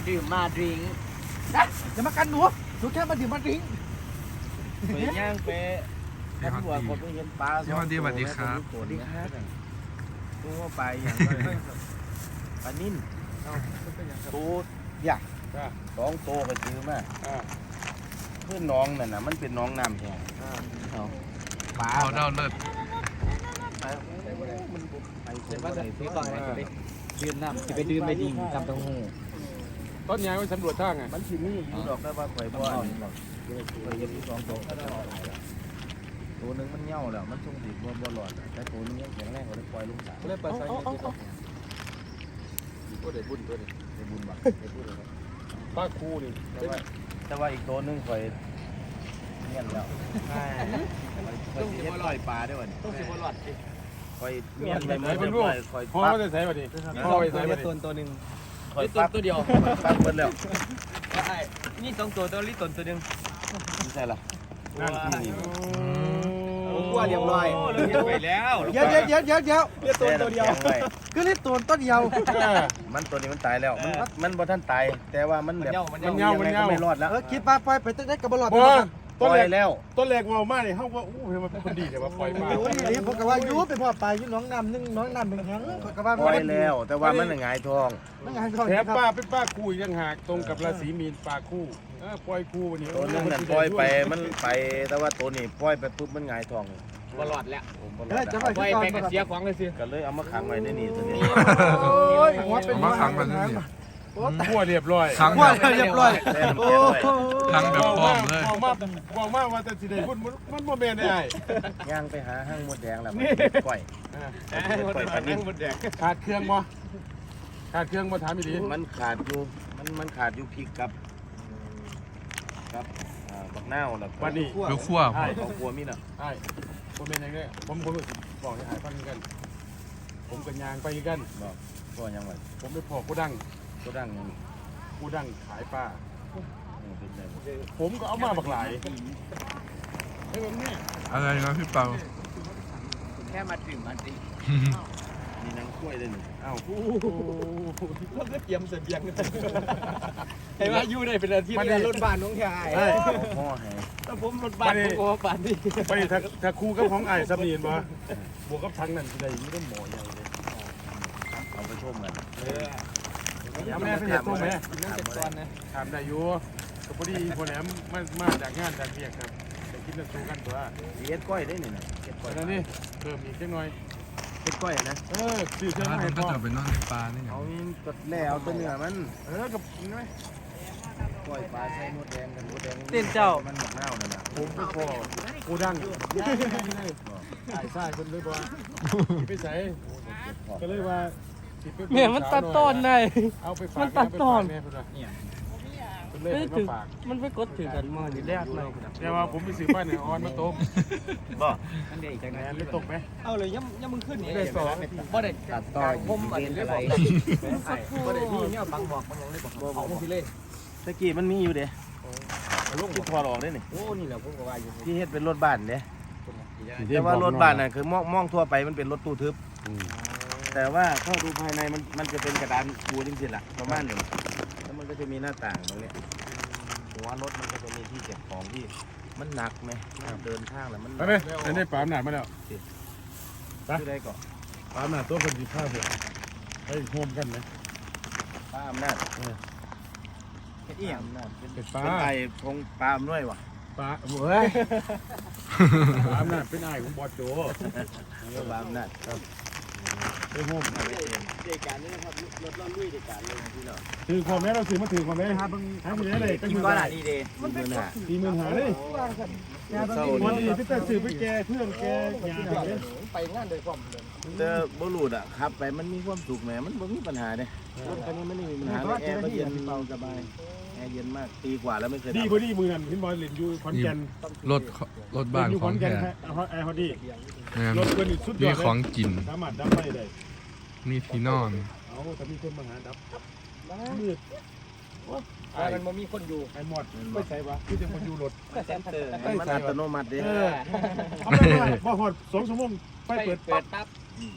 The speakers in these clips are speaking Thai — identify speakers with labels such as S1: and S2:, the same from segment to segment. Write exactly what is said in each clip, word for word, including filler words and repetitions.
S1: ดื่มมาดื่ม
S2: อย่ามากันหนูหนูแค่มาดื่มมาดื่ม
S1: ไปย่างไปท่านหัวคนไปเห็นปลาสวัสดีสวัสดีครับสวัสดีครับตัวไปอย่างปลานิ่นตัวใหญ่สองโตก็ซื้อมาเพื่อนน้องนั่นน่ะมันเป็นน้องน้ำแห้งปลา
S3: เอาเด้าเลิศ
S1: เดี๋ยวว่าใส่ซื้อก่อนนะจะไปดื่มน้ำจะไปดื่มไปดิ่งจำต้องหู
S4: ต้นยางไปสำรวจทางไง
S1: มันที่นี่อยู่ดอกได้ว่าข่อยบ่อนข่อยยังมีสองตัวตัวนึงมันเน่าแล้วมันทรงสีบ่บ่หลอดแต่ตัวนี้ยังแข็งแรงกว่าได้ปล่อยลงสระเลยปล่อยใส่ที่ตัวตัวเด็ดบุญตัวเด็ดเด็ดบุญบักเด็ดบุญเลย
S4: ป้าคูนี่
S1: แต่ว่าแต่ว่าอีกตัวนึงข่อยเงี้ยแล้วต้องสิบ่ลอยปลาด้วยวันต้องสิบ่หลอดข่อยเงี้ยไปหมดเลยข่อย
S4: พ่อจะใส่บัดนี้พ่อไปใส่บัดนี้
S1: ตัวตัวนึงลิตรตัวเดียวตั้งเบิดแล้วนี่สองตัวตัวลิตรตัวนึงไม่ใช่หรอนั่นที่ขั้วเรียบร้อยเรียบไปแล้ว
S2: เดี๋ยวเดี๋ยวเดี๋ยวเดี๋ยวเดี๋ยวลิตรตัวเดียวคือลิตรตัวต้นเดียว
S1: มันตัวนี้มันตายแล้วมันมันบ่ท่านตายแต่ว่ามันแบบ
S4: มันเน่ามันเน่า
S1: ไม่รอดแล้ว
S2: เออคิดปลาปล่อยไปตั้งแต่กับบอลลอด
S4: ต้นแรก
S1: แล้ว
S4: ต้นแรกเมามากเลยเขาว่าอู้มันคนดีแต่ว่าปล่อยมา
S2: โอ้ยนี่ผมก็ว่ายูเป็นพ่อปลายูน้องน้ำนึ่งน้องน้ำเป็นแข็งผมก็ว่า
S1: ปล่อยแล้วแต่ว่ามันหงายทอง
S4: แถมป้าเป็นป้าคู่ยังหากตรงกับราศีมีนป้าคู่ปล่อยคู่วันนี้
S1: ตัวนึงนั่นปล่อยไปมันไปแต่ว่าตัวนี้ปล่อยไปปุ๊บมันหงายทอง
S4: บอลลอดแล้ว
S2: เฮ้ยจะไป
S4: ไปกันเสียของเลยสิ
S1: ก็เลยเอามาขังไว้ในนี่ตัวนี้
S3: มาขังมันนี่
S4: ขั้วเรียบร้อย
S2: ขังเรียบร้อย
S3: โอ้ขังแบบป้อมเลย
S4: บอกมากบอกมากว่าจะสิได้พุ่นมันโมเมนต์ได้
S1: ย่างไปหาห้างมดแดงแล้วปล่อยปล่อยปลานิ่ม
S4: ขาดเครื่องมั้ขาดเครื่องมาถามอีกที
S1: มันขาดอยู่มันมันขาดอยู่พริกกับกับบักนาวแล้ว
S4: วันนี้
S3: ลูกขั้ว
S1: ใช่ของขั้วมีน่ะ
S4: ใช่ผมเป็นยังไงผมผมบอกให้หายฟังกันผมกันยางไปกัน
S1: บอกก็ยังไง
S4: ผมไปพอกูดัง
S1: กูดังยัง
S4: กูดังขายปลาผมก็เอามาบักหลาย
S3: อะไรนะพี่เปา
S1: แค่มาดื่มมาดิมีนังกล้วยเลยนี่
S4: อ้าว
S2: แล้วก็เตรียมเสบียงเห็นว่าอยู่ได้เป็นอาทิตย์รถบ้านน้องชาย
S1: พ่อให้
S2: แล้วผมรถบ้านผมก็บ้านนี่
S4: ไปถ้าถ้าคู่กับของไอ้สมีนมาบวกกับทั้งนั้นที่ใดนี่ต้องหมออย่างเลย
S1: เอาไปชมกัน
S4: ยังไม่ได้เห็นตัวไหมนั่งเจ็ดตอนนะถามได้อยู่ก็พอดีคนแหลมมามาจากงานจากเรียกครับแต่คิดจะสู้กันตัว
S1: เฮ็ดก้อยได้นี่นะ
S4: เฮ็ดก้อยนั่นนี่เพิ่มอีกจังหน่อย
S1: เฮ็ดก้อยนะ
S4: เออซื้อเครื่อง
S3: ให้พ่อจะไปนอนในปลานี่
S1: เอากดแล้วตัวเนื้อมัน
S4: เออกับกินไหม
S1: ก้อยปลาใส่หมดแดงกันหมดแดง
S2: เต้นเจ้า
S1: มันหมกเน่านั่นน่ะ
S4: ผมไปพอกูดังใส่ใส่คนเลยว่าไปใส่ก็เลยว่า
S2: เนี่ยมันตัดต้นได้มันตัดต้น
S4: ไม่ถึง
S2: มันไปกดถือกันมาอยู่แรกเลย
S4: แต่ว่าผมไปซื้อป้ายเนี่ยออนมาต้ม
S1: บ่
S4: นั่นเองจากไหนไม่ตกไหม
S2: เอาเลยย่ำย่ำมึงขึ้นนี่
S4: ได้สอง
S2: บ่ได้
S1: ตัดต่อ
S2: ผมอะไรบ่ได้ที่เนี่ยบังบอกบังเลยบอกเอาที่เล่น
S1: ตะกี้มันมีอยู่เด้ลูกที่พอหลอกได้นี่
S2: โอ้นี่แหละผมก็ว่าอยู่
S1: ที่เฮ็ดเป็นรถบ้านเด้แต่ว่ารถบ้านน่ะคือมองมองทั่วไปมันเป็นรถตู้ทึบแต่ว่าเข้าดูภายในมันมันจะเป็นกระดานปูจริงๆล่ะประมาณนี้แล้วมันก็จะมีหน้าต่างตรงนี้หัวรถมันก็จะมีที่เก็บของที่มันหนักไหมเดินทางแล้วมัน
S4: ไปไหมอันนี้ปามหนามาแล้ว
S1: ไปได้ก่อน
S4: ปามหนาตัวคนดีข้าวเถอะไปโฮมกันไหม
S1: ปามหน้า
S2: เป็นอีหยัง
S1: เป็นปลาเป็นไอ้พงปามด้วยวะ
S4: ปลาเฮ้ยปามหน้าเป็นไอ้ของบอสโจ
S1: ปามหน้าครับ
S4: ไปโฮม
S2: เด็กการนี่นะครับรถเราลุยเด็กการเลยพี่เนาะ
S4: ถือความแม่เราถือมาถือความแม่
S2: ครับ
S4: ทำอย่างไรเลย
S2: ก็อยู่บ้านดีเดย์
S1: มันเป็นหา
S4: ตีมือหาเลยวันนี้พี่ตาสื่อไปแกเพื่อนแกยา
S2: ไปงานโดยความเลย
S1: เจอบอลูดอ่ะขับไปมันมีความสุขแหมมันไม่มีปัญหาเลยรถคันนี้ไม่ได้มีปัญหาแอร์ก็เย็นเบาสบายแอร์เย็นมากปีกว่าแล้วไม่เคย
S4: ดีพอดีมือนั่นพี่บอยเล่นอยู่คอนแกน
S3: รถรถบ้านของแท้
S4: แอร์พอดี
S3: รถมีของกิน
S4: สามารถดับไฟได้
S3: มีที่นอน
S4: เอาแต่มีคนมาหาดับมืด
S2: มันมันมีคนอยู่
S4: ไอ้หมดไม่ใช่ปะที่จะคนอยู่รถ
S2: เซ็นเตอร์
S1: มันอัตโนมัติดิ
S4: เอาไปพอหอดสองชั่วโมงไฟเปิด
S2: เปิดปั๊บ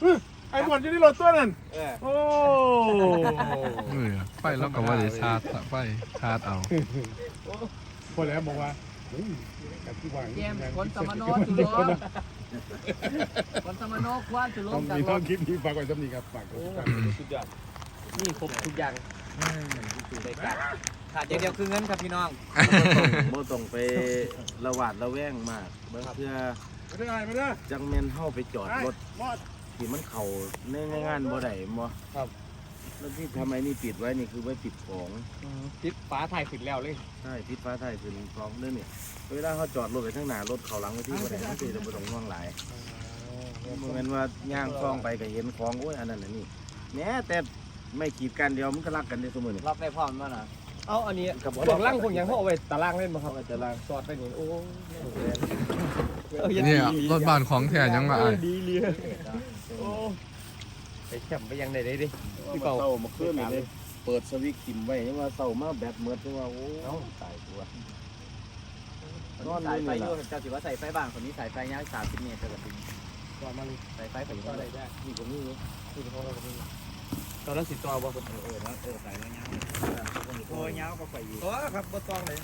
S4: ไอ้หมดอยู่ที่รถตัวนั้น
S2: เออ
S4: โอ้
S3: เออไฟแล้วก็ว่าได้ชาร์จไฟชาร์จเอา
S4: พอแล้วบอกว่าเฮ้ยกับที่วาง
S5: แกมคนสมโนจุลมคนสมโนคว้าจุล
S4: ต้อง
S5: มกัน
S4: มีต้องคลิปนี้ฝากไว้สำนีครับฝาก
S2: โอ้
S4: ไว้
S2: สุดยอดนี่ครบทุกอย่างได้กันขาดอย่างเดียวคือเงินครับพี่น้อง
S1: โมต้องไประหวาดระแวงมากเมื่อเพื่อ
S4: ไม่ได้ไม่ได้
S1: จังเมนเข้าไปจอดรถ
S4: หมด
S1: ที่มันเข่าในงานบ่ได้บ่
S2: ครับ
S1: แล้วที่ทำไมนี่ปิดไว้นี่คือไว้ปิดของ
S2: ติดฟ้าถ่ายขึ้นแล้วเลย
S1: ใช่พิษฟ้าไทยคือของเรื่องนี่เวลาเขาจอดรถไปข้างหน้ารถเขาหลังไปที่บ่ได้บางทีเราบ่ต้องห่วงหลายโมเมนว่าย่างคล้องไปก็เห็นของโอ้ยอันนั้นอันนี้แม้แต่ไม่ขีดกันเดียวมันก็รักกันได้เสมอนี่
S2: รับได้พร้อมมั้ยนะเอาอันนี้
S1: กับ
S2: พวกล่างพวกยังเขาเอาไว้ตารางเล่นมาครับตารางสอดไปนี่โอ้
S3: เนี่ยรถบ้านของแท้ยังมาไอ้
S2: ดีเลยโอ้ไปแคมไปยังไหนได้ดิพี่
S1: เป่า
S2: เป่า
S1: เศร้ามาเคลื่อนเลยเปิดสวิตช์ทิมไว้ยังว่าเศร้ามาแบตเมิดยังว่าโอ้ตายตัวน
S5: สายไฟอยู่เจ้าสิว่าใส่ไฟบ้านคนนี้สายไฟยาวสามสิบเมตรแต่ละปีสายไฟผมก็เลยได้
S1: นี่ก็นี่
S2: ตอนนั้นสิต่อบ่
S5: เออเออแล้วเออสายยาวโอ้ยยาวก็ไฟอยู่
S2: ต่อครับบ่ต้องเลย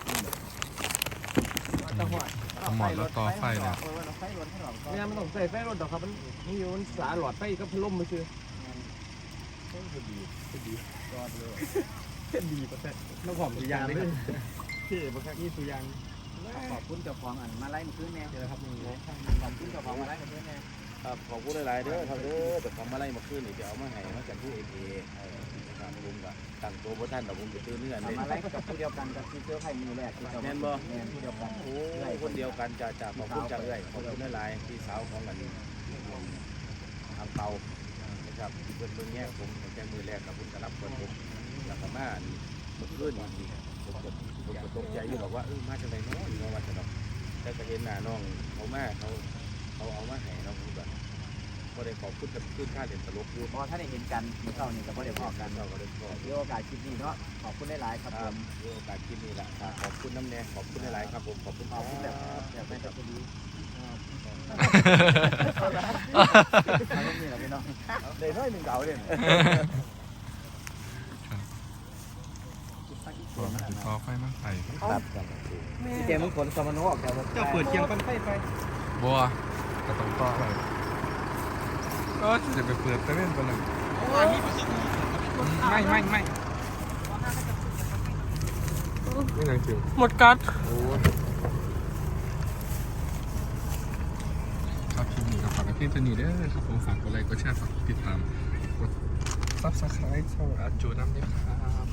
S5: ตะหัว
S3: หมดแล้วต่อไฟแล้ว
S5: เออเราไฟรถให้หรอก
S2: เนี่ยมันต้องใส่ไฟรถดอกครับมันนี่อยู่มันสาหลอดไฟก็พัดลมมาซื้อดีดียอดเลยดีประเสริฐน้ำหอมสุยางเลยเท่ประเสริฐนี่สุยาง
S5: ขอบคุณเจ้าของอันมาไล่มาขึ้นแน่เจอครับนี่ขอบคุณเจ้าของมาไล่มาขึ้นแน่
S1: ครับขอบคุณหลายๆเด้อครับเด้อแต่ของมาไล่มาขึ้นนี่เดี๋ยวเอามาให้มาจากผู้เอเอครับผมก็ตั้งตัวบ่ทันแต่ผมจะตื่นเนื่อนเล่น
S5: มาไล่กับผู้เดียวกันกับที่เสื้อไผ่มือแรกที่เจ้าแม่นผู้เดียวกัน
S1: โอ้คนเดียวกันจะจะขอบคุณจังเลยขอบคุณหลายๆพี่สาวของกันทางเตานะครับที่เพิ่นเบิ่งแย่ผมตั้งแต่มือแรกกับคุณกรับคนผมแล้วก็มาเมื่อคืนนี่ผมก็ผมก็ตกใจอยู่บอกว่าเออมาจากไหนเนาะอยู่ว่าจะดอกแต่ก็เห็นหน้าน้องเขามาเขาเขาเอามาให้เราผมแบบก็ได้ขอบคุณกับขึ้นค่าเด่นตลกอยู่
S5: เพราะถ้าได้เห็นกันเมื่อเช้านี้กับผู้เดียวพอกัน
S1: เราก็ได้ขอบ
S5: มีโอกาสคลิปนี้เนาะขอบคุณได้หลายครับผม
S1: มีโอกาสกินนี่แหละขอบคุณน้ำแน่ขอบคุณหลายๆครับผมขอบคุณ
S5: ขอบคุณแบบอยากไปกับคุณดีนี่แหละพี่น้อง
S1: เดี๋ยวน้อยหนึ่งเก่าเลย
S3: ต่อไฟมาใส่
S1: ครับ
S2: แกมึงขนสมานอกแล้วเจ้าเปิดเคียงกันไฟไฟ
S3: บัวก็ต้องต่อไปก็จะไปเปิดไปเล่นไปเลยไม่ไม่ไม่ไม่ยังคิว
S2: หมดกัด
S3: ครับคลิปนี้ก็ฝากไว้เพียงเท่านี้เด้อครับผมฝากกดไลค์กดแชร์ฝากติดตามกดซับสไครต์ช่องอาจูน้ำด้วยครับ